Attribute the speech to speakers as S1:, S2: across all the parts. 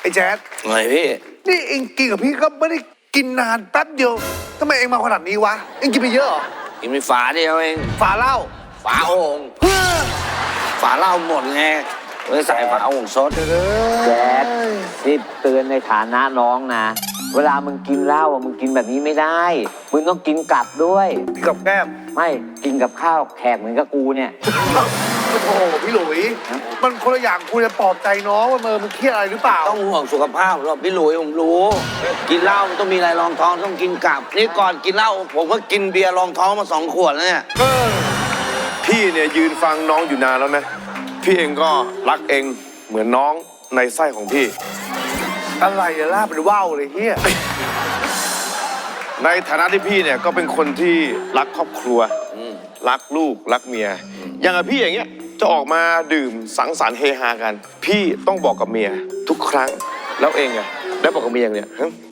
S1: แจ๊ด
S2: ไงพี่
S1: นี่เองกินกับพี่ก็ไม่ได้กินนานแป๊บเดียวทำไมเองมาขนาดนี้วะเองกินไปเยอะเหรอ
S2: กินไปฝาเดียวเอง
S1: ฝาเหล้า
S2: ฝาโอ่งฝาเหล้าหมดไงเลยใส่ฝาโอ่งซด
S3: แจ๊ดนี่เตือนในฐานะน้องนะเวลามึงกินเหล้ามึงกินแบบนี้ไม่ได้มึงต้องกินกลับด้วย
S1: กินกับแก้ม
S3: ไม่กินกับข้าวแขกเหมือนกับกูเนี่ย
S1: โอ้โหพี่หลุยมันคนละอย่างคุณจะปลอบใจน้องว่ามันเครียดอะไรหรือเปล่า
S2: ต้องห่วงสุขภาพหรอกพี่หลุยผมรู้กินเหล้ามันต้องมีอะไรรองท้องต้องกินกลับนี่ก่อนกินเหล้าผมก็กินเบียร์รองท้องมา2 ขวดแล้วเนี่ย
S4: พี่เนี่ยยืนฟังน้องอยู่นานแล้วนะพี่เองก็รักเองเหมือนน้องในไส้ของพี่
S1: อะไรอะล่าเป็นว่าวเลยเฮีย
S4: ในฐานะที่พี่เนี่ยก็เป็นคนที่รักครอบครัวรักลูกรักเมียอย่างกับพี่อย่างเงี้ยจะออกมาดื่มสังสรรค์เฮฮากันพี่ต้องบอกกับเมียทุกครั้งแล้วเองอะได้บอกกับเมียเนี่ย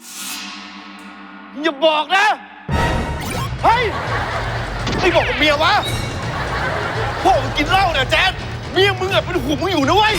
S4: อย่าบอกนะเฮ้ยไม่บอกกับเมียวะพ่อมึงกินเหล้าเนี่ยแจ๊ดเมียมึงอะเป็นห่วงมึงอยู่นะเว้ย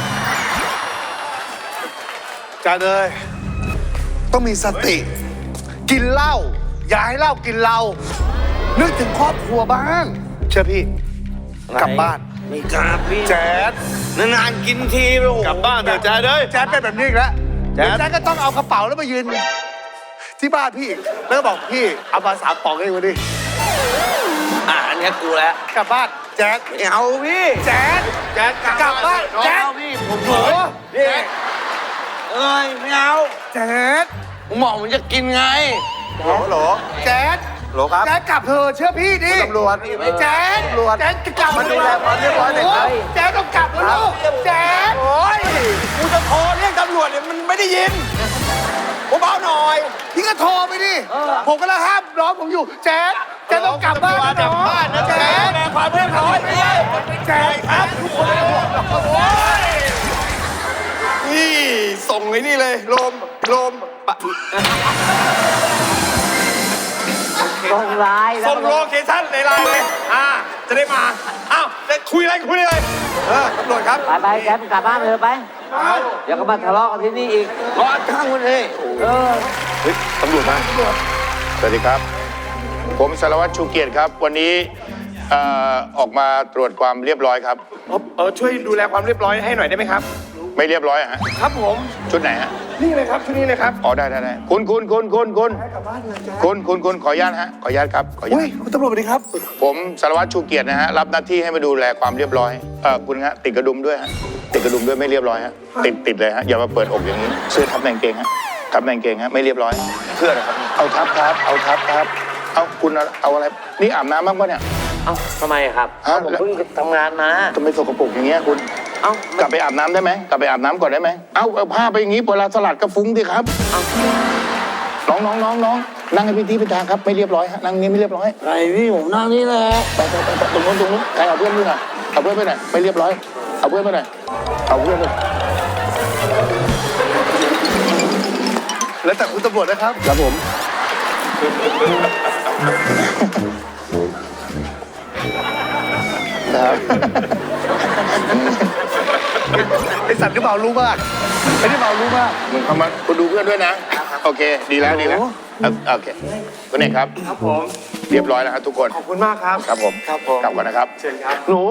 S1: จ้าเลยต้องมีสติกินเหล้าอย่าให้เหล้ากินเรานึกถึงครอบครัวบ้างเชื่อพี่กลับบ้าน
S2: ไม่กลับพี่
S1: แจ๊ด
S2: นานๆกินทีไป
S4: กลับบ้านเถอะแจ๊ดเลย
S1: แจ๊ดเป็นแบบนี้อีกแล้วแจ๊ดก็ต้องเอากระเป๋าแล้วมายืนที่บ้านพี่แล้วก็บอกพี่เอามา3 ป๋องให้มาดิ
S2: อันนี้กูแล้ว
S1: กลับบ้านแจ๊ด
S2: ไม่เอาพี่
S1: แจ๊ดกลับบ้านแจ๊ด
S2: พี่ผมโหพี่ไม่เอา
S1: แจ๊ด
S2: ผมบอกมันจะกินไง
S1: หรอแจ๊ด
S4: หรอครับ
S1: แจ๊ดกลับเถอะเชื่อพี่ดิ
S4: ตำรวจ
S1: แจ๊ดจะกลับมาดูแลความเรียบร้อยหน่อยแจ๊ดต้องกลับแล้วลูกแจ๊ด
S4: โอ้ยกูจะโทรเรียกตำรวจเนี่ยมันไม่ได้ยินเบาๆหน่อย
S1: พี่ก็โทรไปดิผมก็แล้วห้ามน้องผมอยู่แจ๊ดต้องกลับบ้านนะแจ๊ด
S4: ความเรียบร้อย
S1: แจ๊ดครับทุกคน
S4: นี่ส่งไอ้นี่เลยลม
S3: ส่งไลน์
S4: ส่งโลเคชั่นในไลน์เลยจะได้มาอ้าวจะคุยอะไรเลยตำรวจครับ
S3: ไปแจ๊ดกลับบ้านเลยไปเดี๋ยวก็มาทะเลาะกันที่นี่อีก
S2: รอข้างคนเอง
S4: เฮ้ยตำรวจมาสวัสดีครับผมสารวัตรชูเกียรติครับวันนี้ออกมาตรวจความเรียบร้อยครับ
S1: ช่วยดูแลความเรียบร้อยให้หน่อยได้ไหมครับ
S4: ไม่เรียบร้อยฮะ
S1: ครับผม
S4: ชุดไหนฮะ
S1: นี่เลยครับชุดนี้เลยครับ
S4: อ๋อได้คุณขออนุญาตฮะขออนุญาตครับ
S1: คุณตำรวจสวัสดีครับ
S4: ผมสารวัตรชูเกียรตินะฮะรับหน้าที่ให้มาดูแลความเรียบร้อยคุณฮะติดกระดุมด้วยฮะติดกระดุมด้วยไม่เรียบร้อยฮะติดเลยฮะอย่ามาเปิดอกอย่างนี้เสื้อทับแมงเกงฮะทับแมงเกงฮะไม่เรียบร้อยเพื่ออะไรครับเอาทับครับเอาคุณเอาอะไรนี่อาบน้ำบ้างปะเนี่ย
S3: ทำไมครับผมเพิ่งทำงานมา
S4: ทำไมสกปรกอย่างเงี้ยคุณกลับไปอาบน้ำได้ไหมกลับไปอาบน้ำก่อนได้ไหมเอาผ้าไปอย่างงี้เวลาสลัดก็ฟุ้งดิครับน้องนั่งให้พี่ทางครับไม่เรียบร้อยฮะนั่งนี้ไม่เรียบร้อย
S2: ไรพี่ผมนั่งนี่แหละ
S4: ไปตรงนู้นใครเอาเพื่อนไปหน่อยเอาเพื่อนไปหน่อยไม่เรียบร้อยเอาเพื่อนไปหน่อย
S1: แล้วแต่คุณตำรวจนะครับ
S4: ครับผม
S1: ไอสัตว์ที่เบารู้มากไอที่เบารู้มาก
S4: มึงเข้ามาคุณดูเพื่อนด้วยนะโอเคดีแล้วโอเคคุณเอกครับ
S1: ผม
S4: เรียบร้อยแล้วครับทุกคน
S1: ขอบคุณมากครับ
S4: ครับผมกลับก่อนนะครับ
S1: เชิญครับ
S4: หนู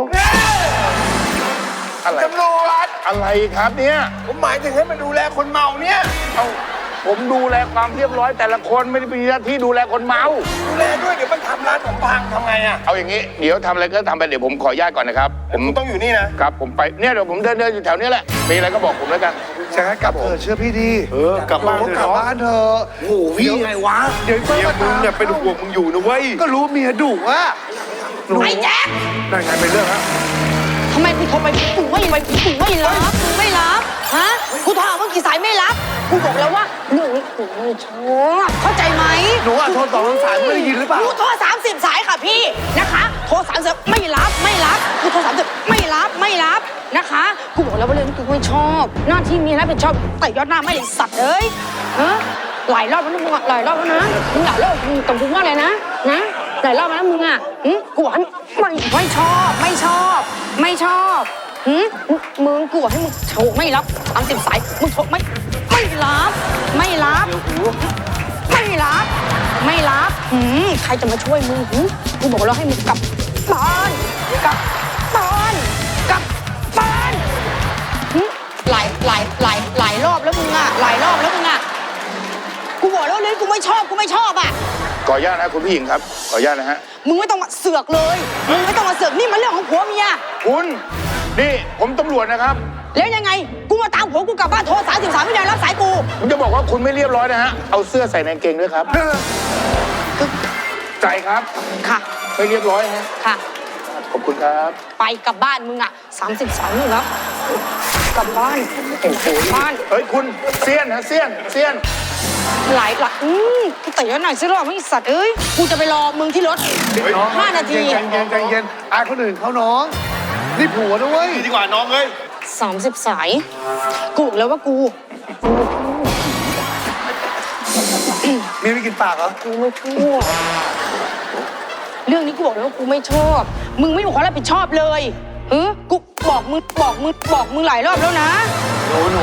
S4: อะไร
S1: ตำรวจ
S4: อะไรครับเนี่ย
S1: ผมหมายถึงให้มาดูแลคนเมาเนี่ย
S4: ผมดูแลความเรียบร้อยแต่ละคนไม่ได้มีหน้าที่ดูแลคนเมา
S1: ดูแลด้วยเดี๋ยวมันทำร้านผมพังทำไง
S4: เอาอย่างนี้เดี๋ยวทำอะไรก็ทำไปเดี๋ยวผมขออนุญาตก่อนนะครับ
S1: ผมต้องอยู่นี่นะครับ
S4: ผมไปเนี่ยเดี๋ยวผมเดินอยู่แถวนี้แหละมีอะไรก็บอกผมแล้วกัน
S1: ใช่กลับเถอะเชื่อพี่ดี
S4: กลับบ้าน
S1: เถอะ
S2: โอ้โหพี่ไงวะ
S4: เดี๋ยวมึงเนี่ยเป็นห่วงมึงอยู่นะเว้ย
S1: ก็รู้เมียดุว่ะ
S5: ไอ้แจ๊ค
S1: นั่นไงเป็นเรื่องฮะ
S5: ทำไมกูโทรไปกูไม่รับกูไม่รับฮะกูโทรหาเมื่อกี่สายไม่รับกูบอกแล้วว่าเรื่องนี้กูไม่ชอบเข้าใจไหม
S1: หนูโทร2 สายไม่ได้ยินหรือเปล่า
S5: กูโทร30 สายค่ะพี่นะคะโทร30ไม่รับกูโทร30ไม่รับนะคะกูบอกแล้วว่าเรื่องนี้กูไม่ชอบหน้าที่เมียรับผิดชอบแต่ยอดหน้าไม่ได้สัตว์เลยฮะหลายรอบแล้วนะมึงหลายรอบแล้วนะมึงหลายรอบกับกูว่าอะไรนะหลายรอบแล้วมึงกูบอกไม่ชอบมึงกูบอกให้มึงโทรไม่รับ30 สายมึงโทรไม่รับไม่รับใครจะมาช่วยมึงกูบอกแล้วให้มึงกลับบ้านหลายรอบแล้วมึงอะกูบอกแล้วเลยกูไม่ชอบอะ
S4: ขออนุญาตนะคุณผู้หญิงครับ ขออนุญาตนะฮะ
S5: มึงไม่ต้องมาเสือกเลยมึงไม่ต้องมาเสือกนี่มันเรื่องของผัวเมีย
S4: คุณ นี่ผมตำรวจนะครับ
S5: แล้วยังไงกูมาตามผัวกูกลับบ้านโทร33ไม่ได้รับสายกู
S4: ผมจะบอกว่าคุณไม่เรียบร้อยนะฮะ เอาเสื้อใส่ในกางเกงด้วยครับ ใจครับ
S5: ค่ะ
S4: ไม่เรียบร้อยฮะ
S5: ค่ะ
S4: ขอบคุณครับ
S5: ไปกลับบ้านมึงอ่ะ33นี่แล้วกลับบ้าน
S4: เฮ้ยคุณเซียนฮะเซียน
S5: หลายกูเตะหน่อยสิรอบไม่สัตว์เอ้ยกูจะไปรอมึงที่รถ
S1: น้อง
S5: 5 นาที
S1: ใจเย็นอายคนอื่นเขาน้องนี่ผัวนะเว้ย
S6: ดีกว่าน้องเอ้ย
S5: 30 สายกูบอกแล้วว่ากู
S1: เมียไม่กินปากเหรอ
S5: กูไม่ชอบเรื่องนี้กูบอกเลยว่ากูไม่ชอบมึงไม่มีความรับผิดชอบเลยกูบอกมึงหลายรอบแล้วนะ
S3: หนู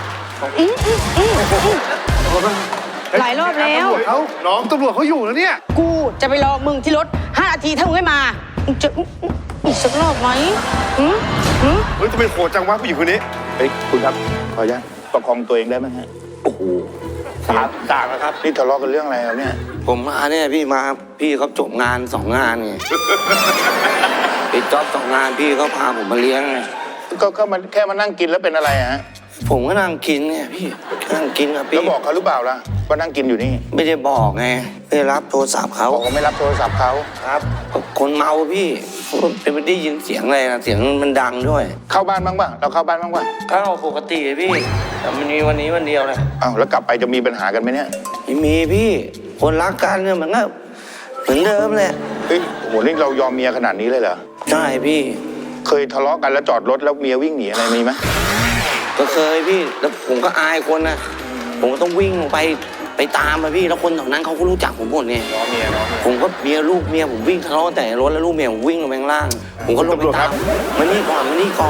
S5: หลายรอบแล้ว
S1: ตำรวจเขาอยู่แล้วเนี่ย
S5: กูจะไปรอมึงที่รถ5 นาทีถ้ามึงไม่มามึงจะอีกสักรอบไหม
S6: เฮ้ยทำไมโหดจังวะผู้หญิงคนนี้
S4: เฮ้ยคุณครับ ขออนุญาตประคองตัวเองได้ไหมฮะ โอ้โหต่างนะครับ นี่ทะเลาะกันเรื่องอะไรครับเนี่ย
S2: ผมมาเนี่ยพี่เขาจบงาน2 งานไง ปิดจ็อบ2 งานพี่เขาพาผมมาเลี้ยงไง
S4: ก็มันแค่มานั่งกินแล้วเป็นอะไรฮะ
S2: ผมก็นั่งกินไงพี่นั่งกินกับ
S4: แล้
S2: พี่
S4: วบอกเขาหรือเปล่าล่ะว่านั่งกินอยู่นี่
S2: ไม่ได้บอกไงไม่ได้รับโทรศัพท์เขา
S4: บอกว่าไม่รับโทรศัพท์เขา
S2: ครับคนเมาพี่เป็นไม่ได้ยินเสียงอะไรนะเสียงมันดังด้วย
S4: เข้าบ้านบ้างป่ะ เราเข้าบ้านบ้างป่ะ
S2: เข้าปกติพี่แต่มันมีวันนี้วันเดียวแหละ
S4: อ้าวแล้วกลับไปจะมีปัญหากันไหมเนี่ย
S2: ไม่มีพี่คนรักกันเนี่ยมันก็เหมือนเดิมแหละ
S4: เฮ้ยโหนี่เรายอมเมียขนาดนี้เลยเหรอ
S2: ใช่พี่
S4: เคยทะเลาะกันแล้วจอดรถแล้วเมียวิ่งหนีอะไรมีไหม
S2: ก็เคยพี่แล้วผมก็อายคนนะผมก็ต้องวิ่งลงไปตามมาพี่แล้วคนแถวนั้นเขาก็รู้จักผมหมดเนี่ย
S4: น้องเมียน้อง
S2: ผมก็เมียลูกเมียผมวิ่งทะเลาะแต่รถแล้วลูกเมียผมวิ่งลงไปข้างล่าง ผมก็ลงไปตามมานี่ก่อน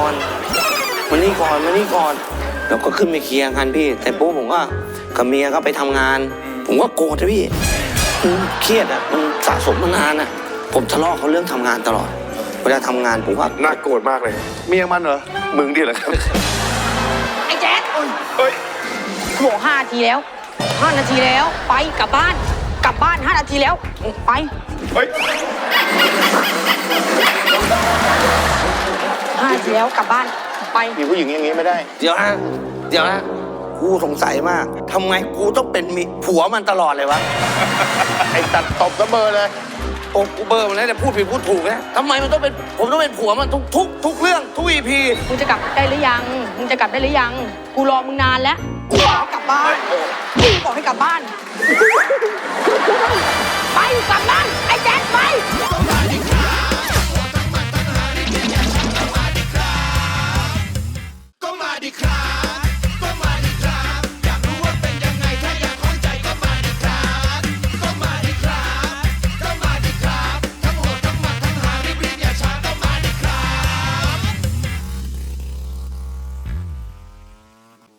S2: แล้วก็ขึ้นไปเคลียร์กันพี่แต่ปุ๊บผมก็กับเมียก็ไปทำงาน ผมก็โกรธนะพี่เครียดอ่ะมันสะสมมานานอ่ะผมทะเลาะเขาเรื่องทำงานตลอดเวลาทำงานผมว่า
S6: น่าโกรธมากเลย
S1: เมียมันเหรอ
S6: มึงดิเหรอครับ
S5: ไอ้แจ๊ด
S6: เฮ้ย
S5: กูบอก5 นาทีแล้ว5 นาทีแล้วไปกลับบ้าน5 นาทีแล้วไป
S6: เฮ้ย
S5: 5 นาทีแล้วกลับบ้านไป
S4: มีผู้หญิงอย่างนี้ไม่ได้
S2: เดี๋ยวนะกูสงสัยมากทำไมกูต้องเป็นผัวมันตลอดเลยวะ
S4: ไอ้ตัดตบก็เบอร์เลย
S2: โอ้กูเบอร์มันแล้วแต่พูดผิดพูดถูกนะทำไมมันต้องเป็นผมต้องเป็นผัวมันทุกเรื่องทุก EP
S5: มึงจะกลับได้หรือยังกูรอมึงนานแล้วกูบอกให้กลับบ้านไปกลับบ้าน